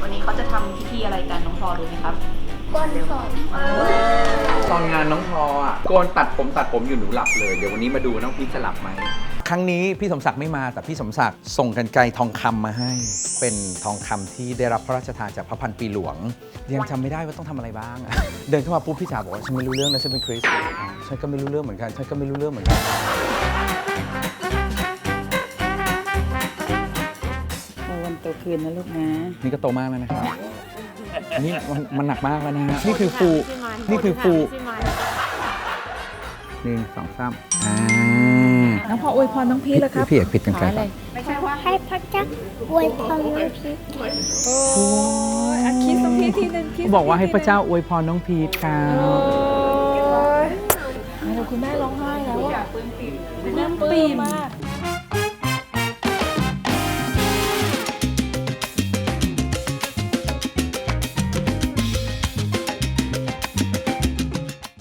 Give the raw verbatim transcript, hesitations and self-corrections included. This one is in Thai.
วันนี้เขาจะทำพิธีอะไรกันน้องพอรู้ไหมครับก้นผมตอนงานน้องพออ่ะโกนตัดผมตัดผมอยู่หนูหลับเลย เดี๋ยววันนี้มาดูน้องพีชจะหลับไหม ครั้งนี้พี่สมศักดิ์ไม่มาแต่พี่สมศักดิ์ส่งกรรไกรทองคำมาให้ เป็นทองคำที่ได้รับพระราชทานจากพระพันปีหลวง ยังจำไม่ได้ว่าต้องทำอะไรบ้าง เดินเข้ามาปุ๊บพี่จ๋าบอกว่าฉันไม่รู้เรื่องนะฉันเป็นคริสต์ฉันก็ไม่รู้เรื่องเหมือนกันฉันก็ไม่รู้เรื่องเหมือนกันวันโตคืนนะลูกนะนี่ก็โตมากแล้วนะครับนี่มันมันหนักมากแล้วนะฮะนี่คือฟูนี่คือฟูหนึ่งสองสามอ่าน้องพออวยพรน้องพีชแล้วครับพี่เอกผิดกันไกลขออะไรให้พระเจ้าอวยพรน้องพีชโอ้ยอ่ะคิสน้องพีชทีหนึงคิสบอกว่าให้พระเจ้าอวยพรน้องพีชครัโอ้บยแล้วคุณแม่ร้องไห้แล้วอะแม่ปลื้มมาก